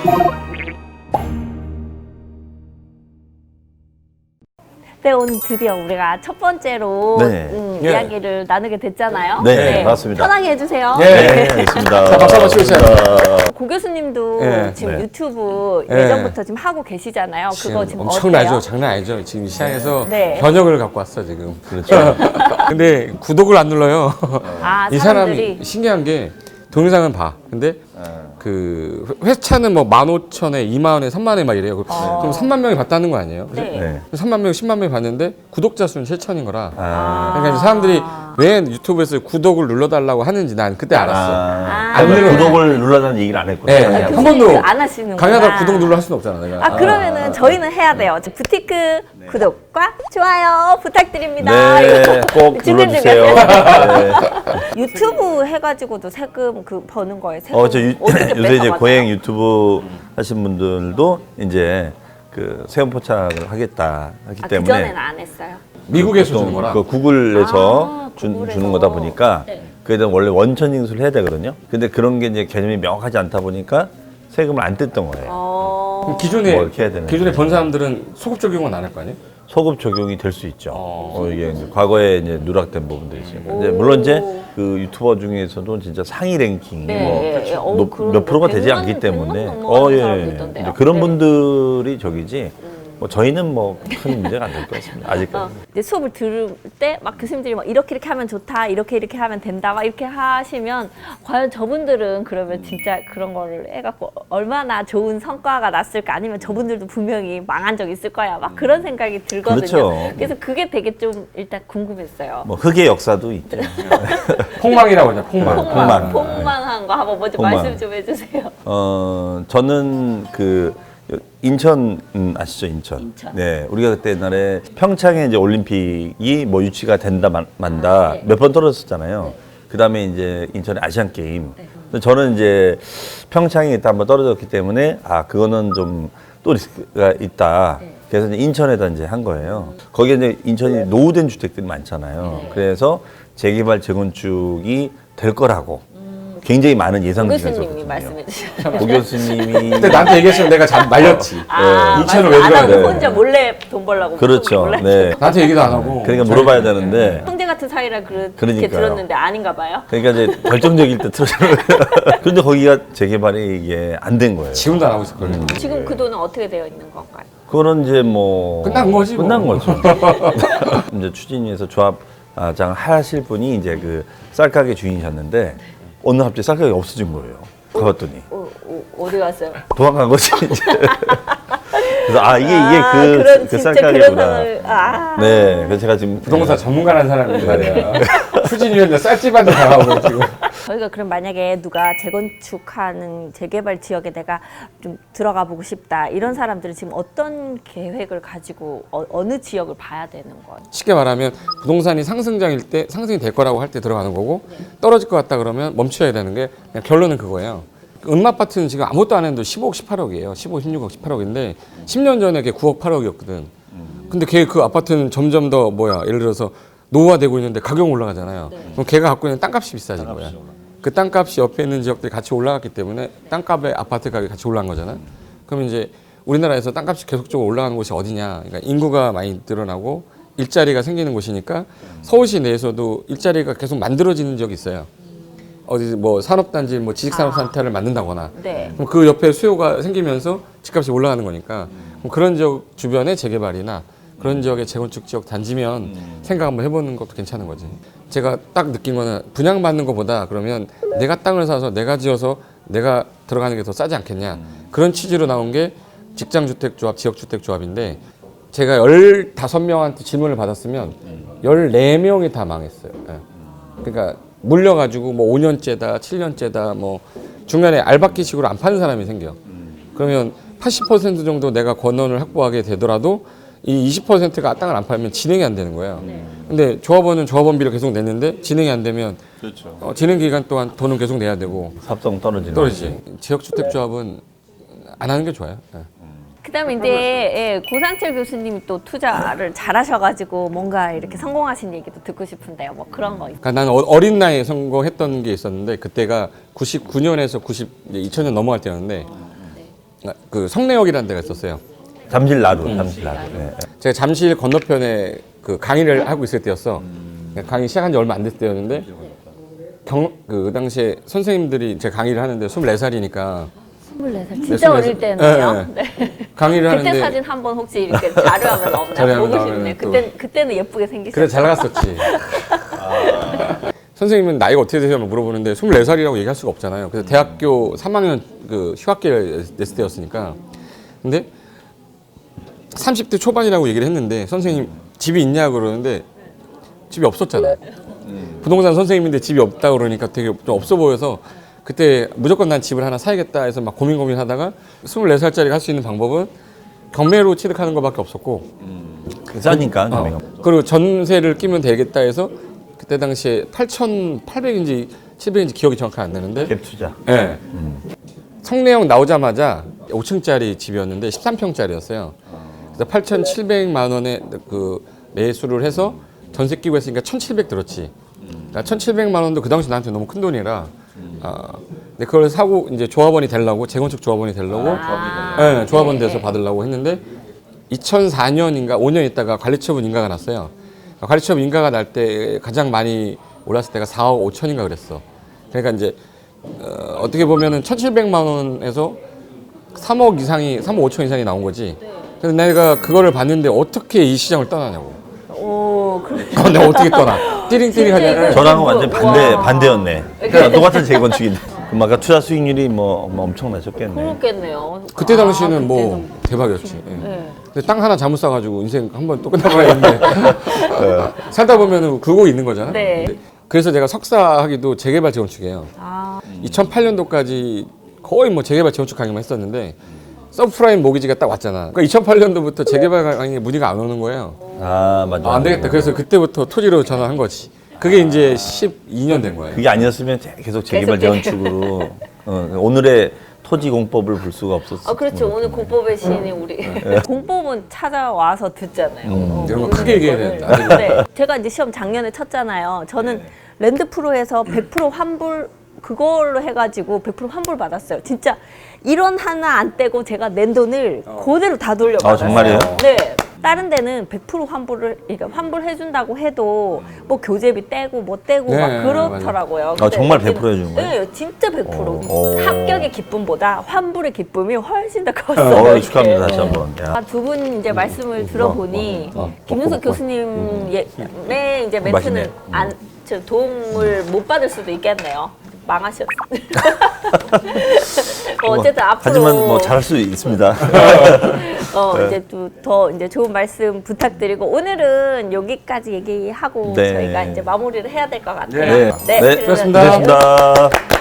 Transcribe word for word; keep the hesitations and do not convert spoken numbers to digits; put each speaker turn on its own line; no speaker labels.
네, 오늘 드디어 우리가 첫 번째로
네.
음,
예.
이야기를 나누게 됐잖아요.
네, 네, 맞습니다.
편하게 해주세요.
예.
네, 알겠습니다.
자, 박수 한번 치우세요.
고 교수님도
예.
지금
네.
유튜브
예.
예전부터 지금 하고 계시잖아요. 그거 지금
엄청나죠.
어때요?
장난 아니죠. 지금 시장에서
네.
변혁을 갖고 왔어 지금.
그렇죠.
근데 구독을 안 눌러요.
아,
이
사람들이
사람이 신기한 게 동영상은 봐. 근데 그 회차는 뭐 만 오천에 이만 원에 삼만 원에 막 이래요.
어.
그럼 삼만 명이 봤다는 거 아니에요? 그죠?
네.
네.
삼만 명, 십만 명이 봤는데 구독자 수는 칠천인 거라.
아,
그러니까 이제 사람들이 왜 유튜브에서 구독을 눌러달라고 하는지 난 그때 알았어.
아,
아.
그러면 구독을 눌러라는 얘기를 안 했구나.
네.
아,
한
교수님이
번도
안 하시는구나.
강의하다 구독 눌러 할 수는 없잖아 내가.
아, 그러면은 저희는 해야 돼요. 부티크 구독과 좋아요 부탁드립니다.
네,
이거
꼭
지금
눌러주세요.
준비하세요.
네.
유튜브 해가지고도 세금 그 버는 거예요. 세금
어, 저 유,
어떻게
요새 이제
뺏어가나요?
고행 유튜브 하신 분들도 이제 그 세금 포착을 하겠다 하기
아,
때문에
그전에는 안 했어요.
미국에서
보통
주는 거라.
그 구글에서
아,
주,
구글에서.
주는 거다 보니까
네.
그에 대한 원래 원천 징수를 해야 되거든요. 근데 그런 게 이제 개념이 명확하지 않다 보니까 세금을 안 뗐던 거예요.
어...
기존에
뭐 이렇게 해야 되는데.
기존에 번 사람들은 소급 적용은 안 할 거 아니에요?
소급 적용이 될 수 있죠.
어.
어, 이게 이제 과거에 이제 누락된 부분들이 있어요. 근데 물론 이제 그 유튜버 중에서도 진짜 상위 랭킹
네,
뭐
예, 예. 어우,
높-
그런
몇 프로가
백
되지
만,
않기
백
때문에
만 넘어가는 사람도
예.
있던데요.
이제 그런
네.
분들이 저기지 뭐 저희는 뭐 큰 문제가 안 될 것 같습니다.
어,
아직까지.
이제 수업을 들을 때 막 교수님들이 막 이렇게 이렇게 하면 좋다, 이렇게 이렇게 하면 된다, 막 이렇게 하시면 과연 저분들은 그러면 진짜 그런 거를 해갖고 얼마나 좋은 성과가 났을까, 아니면 저분들도 분명히 망한 적 있을 거야, 막 그런 생각이 들거든요.
그렇죠.
그래서 그게 되게 좀 일단 궁금했어요.
뭐 흑의 역사도 있죠.
폭망이라고 하죠. 폭망.
폭망,
폭망.
폭망한 거 한번 먼저
폭망.
말씀 좀 해주세요.
어 저는 그 인천 음, 아시죠 인천?
인천.
네, 우리가 그때 옛날에 평창에 이제 올림픽이 뭐 유치가 된다 만, 만다
아, 네.
몇 번 떨어졌잖아요. 그 다음에 이제 인천의 아시안 게임. 근데 저는 이제 평창에 일단 한번 떨어졌기 때문에 아 그거는 좀 또 리스크가 있다. 그래서 이제 인천에다 이제 한 거예요. 거기에 이제 인천이 노후된 주택들이 많잖아요. 그래서 재개발 재건축이 될 거라고 굉장히 많은 예상들이
교수님이
있었거든요.
말씀해 주셨어요.
고 교수님이
그때 나한테 얘기했으면 내가 잘 말렸지.
아,
이천을
말씀
왜
안
들어야
하고
돼?
혼자 몰래 돈 벌라고.
그렇죠.
몰래.
네.
나한테 얘기도 안 하고.
그러니까 물어봐야 되는데
형제 같은 사이라 그렇게
그러니까요.
들었는데 아닌가 봐요.
그러니까 이제 결정적일 때 틀어주는 거예요. 그런데 거기가 재개발이 이게 안 된 거예요.
지금도 안 하고 있었거든요.
지금 그 돈은 어떻게 되어 있는 건가요?
그거는 이제 뭐
끝난 거지, 뭐.
끝난 거죠. 이제 추진위에서 조합장 하실 분이 이제 그 쌀가게 주인이셨는데 어느 날 갑자기 쌀가게 없어진 거예요. 가봤더니
어, 어, 어디 갔어요?
도망간 거지 이제. 그래서 아 이게
아,
이게 그,
그런,
그
진짜
쌀가게구나.
그런 상을, 아.
네, 그래서 제가 지금
부동산 전문가라는 사람인데 말이야. 추진위원회 쌀집한테 당하고 지금.
저희가 그럼 만약에 누가 재건축하는 재개발 지역에 내가 좀 들어가 보고 싶다, 이런 사람들은 지금 어떤 계획을 가지고 어, 어느 지역을 봐야 되는 거예요?
쉽게 말하면 부동산이 상승장일 때 상승이 될 거라고 할 때 들어가는 거고 떨어질 것 같다 그러면 멈춰야 되는 게 그냥 결론은 그거예요. 음마아파트는 지금 아무것도 안 했는데 십오억, 십팔억이에요. 십오, 십육억, 십팔억인데 십 년 전에 걔 구억, 팔억이었거든. 근데 걔 그 아파트는 점점 더 뭐야 예를 들어서 노후화되고 있는데 가격 올라가잖아요. 그럼 걔가 갖고 있는 땅값이 비싸진 거야. 그 땅값이 옆에 있는 지역들이 같이 올라갔기 때문에 땅값에 아파트 가격이 같이 올라간 거잖아요. 그럼 이제 우리나라에서 땅값이 계속적으로 올라가는 곳이 어디냐? 그러니까 인구가 많이 늘어나고 일자리가 생기는 곳이니까 서울시 내에서도 일자리가 계속 만들어지는 지역이 있어요. 어디 뭐 산업단지, 뭐 지식산업센터를 만든다거나,
네.
그럼 그 옆에 수요가 생기면서 집값이 올라가는 거니까 그럼 그런 지역 주변의 재개발이나 그런 지역의 재건축 지역 단지면 생각 한번 해보는 것도 괜찮은 거지. 제가 딱 느낀 거는 분양받는 것보다 그러면 내가 땅을 사서 내가 지어서 내가 들어가는 게 더 싸지 않겠냐, 그런 취지로 나온 게 직장주택조합, 지역주택조합인데 제가 열다섯 명한테 질문을 받았으면 열네 명이 다 망했어요. 예. 그러니까 물려가지고 뭐 오 년째다, 칠 년째다, 뭐 중간에 알바끼식으로 안 파는 사람이 생겨. 그러면 팔십 퍼센트 정도 내가 권원을 확보하게 되더라도 이 이십 퍼센트가 땅을 안 팔면 진행이 안 되는 거예요. 근데 조합원은 조합원비를 계속 냈는데 진행이 안 되면
그렇죠.
어, 진행 기간 동안 돈은 계속 내야 되고
삽성 떨어지는
떨어지지. 지역주택조합은 안 하는 게 좋아요. 예.
그다음에 이제 예, 고상철 교수님이 또 투자를 잘하셔가지고 뭔가 이렇게 성공하신 얘기도 듣고 싶은데요. 뭐 그런 거 있어요?
그러니까 나는 어- 어린 나이에 성공했던 게 있었는데 그때가 구십구 년에서 구십, 이천 년 넘어갈 때였는데 그 성내역이라는 데가 있었어요.
잠실 나루, 잠실 나루. 네.
제가 잠실 건너편에 그 강의를 하고 있을 때였어. 강의 시작한 지 얼마 안 됐을 때였는데 경, 그 당시에 선생님들이 제 강의를 하는데 스물네 살이니까
스물네 살
네,
진짜
스물네
어릴
살.
때네요.
네,
네.
강의를
그때
하는데
사진 한번 혹시 이렇게 자료하면 없나
자료하면
보고
나오면은
싶네.
또-
그때 그때는 예쁘게 생기셨죠.
그래 잘 나갔었지. 선생님은 나이가 어떻게 되시냐고 물어보는데 스물네 살이라고 얘기할 수가 없잖아요. 그래서 대학교 삼 학년 그 휴학기를 냈을 때였으니까. 근데 삼십 대 초반이라고 얘기를 했는데 선생님 집이 있냐 그러는데 집이 없었잖아요. 부동산 선생님인데 집이 없다 그러니까 되게 좀 없어 보여서 그때 무조건 난 집을 하나 사야겠다 해서 막 고민 고민하다가 스물네 살짜리가 할 수 있는 방법은 경매로 취득하는 것밖에 없었고
싸니까.
어, 그리고 전세를 끼면 되겠다 해서 그때 당시에 팔천팔백인지 칠백인지 기억이 정확히 안 나는데
갭 투자.
예. 성내역 나오자마자 오 층짜리 집이었는데 십삼 평짜리였어요. 그래서 팔천칠백만 원에 그 매수를 해서 전세 끼고 했으니까 천칠백 들었지. 그러니까 천칠백만 원도 그 당시 나한테 너무 큰 돈이라. 아, 근데 그걸 사고 이제 조합원이 되려고 재건축 조합원이 되려고
아,
예, 조합원
네.
돼서 받으려고 했는데 이천사 년인가 오 년 있다가 관리처분 인가가 났어요. 관리처분 인가가 날 때 가장 많이 올랐을 때가 사억 오천인가 그랬어. 그러니까 이제 어, 어떻게 보면은 천칠백만 원에서 삼억 이상이 삼억 오천 이상이 나온 거지. 그래서 내가 그거를 봤는데 어떻게 이 시장을 떠나냐고.
오, 그렇죠.
어, 내가 어떻게 떠나? 띠링띠링 하냐.
진짜
저랑은 완전 반대,
와.
반대였네. 그러니까 똑같은 재건축인데. 그럼 아까 투자 수익률이 뭐, 뭐 엄청나셨겠네.
그렇겠네요.
그때
아,
당시는 뭐
그때는.
대박이었지. 예.
네.
근데 땅 하나 잘못 사가지고 인생 한번 또 끝나버려 했는데 살다 보면은 굴고 있는 거잖아.
네.
근데 그래서 제가 석사 하기도 재개발 재건축이에요.
아,
이천팔 년도까지 거의 뭐 재개발 재건축 강의만 했었는데 서프라임 모기지가 딱 왔잖아. 그러니까 이천팔 년도부터 재개발 강의에 문의가 안 오는 거예요.
아, 맞아.
아, 안 되겠다. 그래서 그때부터 토지로 전환한 거지. 그게 이제 십이 년 된 거예요.
그게 아니었으면 계속 재개발
계속
재건축으로 어, 오늘의 토지 공법을 볼 수가 없었어.
아 그렇죠. 오늘 공법의 시인이 우리 공법은 찾아와서 듣잖아요. 어,
이런 거
모르는
크게 얘기해야
거를.
되는데.
네. 제가 이제 시험 작년에 쳤잖아요. 저는 랜드 프로에서 백 퍼센트 환불 그걸로 해가지고 백 퍼센트 환불 받았어요. 진짜 일 원 하나 안 떼고 제가 낸 돈을 그대로 다 돌려받았어요.
아, 정말이에요?
네. 다른 데는 백 퍼센트 환불을 그러니까 환불해준다고 해도 뭐 교재비 떼고 뭐 떼고
네,
막 그렇더라고요.
아,
근데
정말
여기는-
백 퍼센트 해준 거예요?
네, 진짜 백 퍼센트.
오.
합격의 기쁨보다 환불의 기쁨이 훨씬 더
어,
컸어요.
축하합니다, 다시 한 번. 야.
두 분 이제 말씀을 들어보니
어, 어,
김윤석
어,
교수님의 이제 멘트는
맛있네.
안, 저 도움을 못 받을 수도 있겠네요. 망하셨어. 어, 어쨌든 앞으로
하지만 뭐 잘할 수 있습니다.
어, 이제 또 더 이제 좋은 말씀 부탁드리고 오늘은 여기까지 얘기하고
네.
저희가 이제 마무리를 해야 될 것 같아요.
네.
네,
그러면-
수고하셨습니다.
고맙습니다.